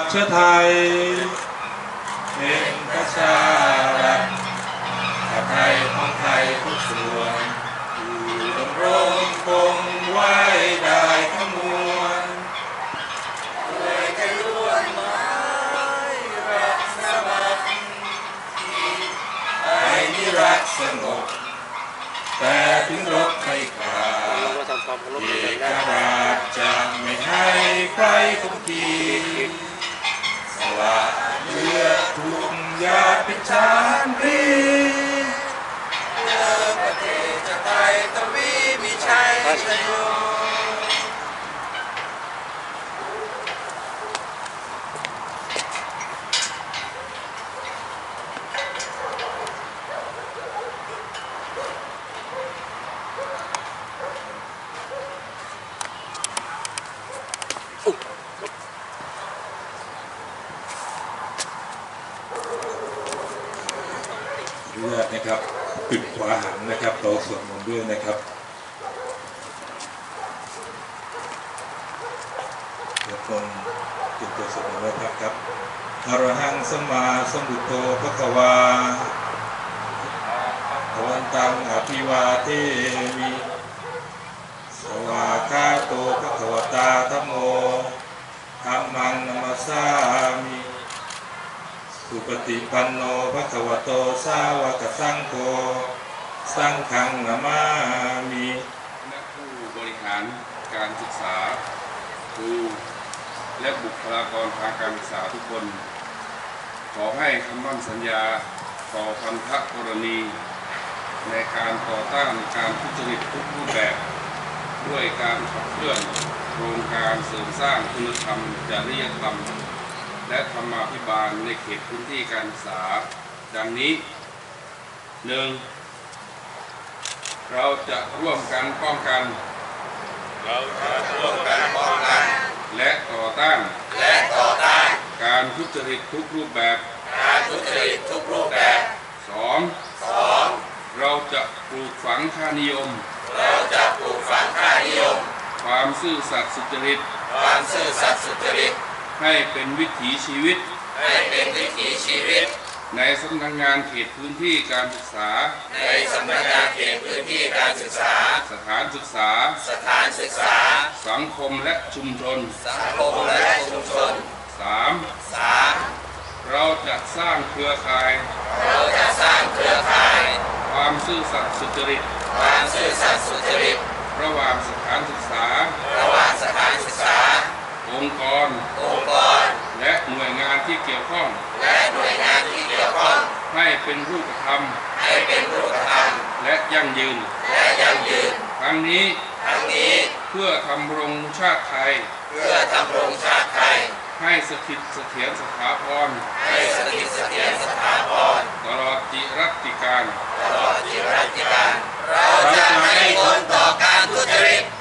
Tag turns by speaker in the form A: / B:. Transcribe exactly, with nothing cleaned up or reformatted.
A: เชื้อไทยเป็นประชารัฐชาติไทยของไทยทุกส่วนอยู่ดำรงคงไว้ได้ทั้งมวลด้วยใจล้วนหมายรักสมัครไทยนิรักสงบแต่ถึงรบไม่ขาดเอกราชจะไม่ให้ใครคุกคีสละเลือดทุกหยาดเป็นชาติรีเพื่อประเทศจะไทยทวีมีชัยชโยเลือดนะครับปิดขวาหันนะครับเราสวดมนต์ด้วยนะครับเดี๋ยวคนติดตัวสวดมนต์ไว้ครับครับอรหังสัมมาสัมพุทโธภควาภวันตังอภิวาเทมิสวากขาโตภควตาธัมโมธัมมังนัมสสามิสุปฏิปันโนภควโตสาวกสังโฆสังฆังนามามิ
B: และผู้บริหารการศึกษาครูและบุคลากรทางการศึกษาทุกคนขอให้คำมั่นสัญญาต่อพันธกรณีในการต่อต้านการทุจริตทุกรูปแบบด้วยการขับเคลื่อนโครงการเสริมสร้างคุณธรรมจริยธรรมและธรรมาภิบาลในเขตพื้นที่การศึกษาดังนี้ หนึ่ง เราจะร่วมกันป้องกัน
C: เราจะร่วมกันป้องกัน
B: และต่อต้าน
C: และต่อต้าน
B: การทุจริตทุกรูปแบบ
C: การทุจริตทุกรูปแบบ
B: สอง
C: สอง
B: เราจะปลูกฝังค่านิยม
C: เราจะปลูกฝังค่านิยม
B: ความซื่อสัตย์สุจริต
C: ความซื่อสัตย์สุจริต
B: ให้เป็นวิถีชีวิต
C: ให้เป็นวิถีชีวิต
B: ในสำนักงานเขตพื้นที่การศึกษา
C: ในสำนักงานเขตพื้นที่การศึกษา
B: สถานศึกษา
C: สถานศึกษา
B: สังคมและชุมชน
C: สังคมและชุมชน
B: สาม
C: สาม
B: เราจะสร้างเครือข่าย
C: เราจะสร้างเครือข่าย
B: ความซื่อสัตย์สุจริต
C: ความซื่อสัตย์สุจริต
B: ระหว่างสถานศึกษา
C: ระหว่างสถานศึกษา
B: องค์กร
C: องค์กร
B: และหน่วยงานที่เกี่ยวข้อง
C: และหน่วยงานที่เกี่ยวข้อง
B: ให้เป็นรูปธรรม
C: ให้เป็นรูปธรรม
B: และยั่งยืน
C: และยั่งยืน
B: ทั้งนี้
C: ทั้งนี้
B: เพื่อทำรงชาติไทย
C: เพื่อทำรงชาติไทย
B: ให้สถิตเสถียรสถาพร
C: ให้สถิตเสถียรสถาพร
B: ตลอดจิรัติการ
C: ตลอดจิรัติการเราจะไม่ทนต่อการทุจริต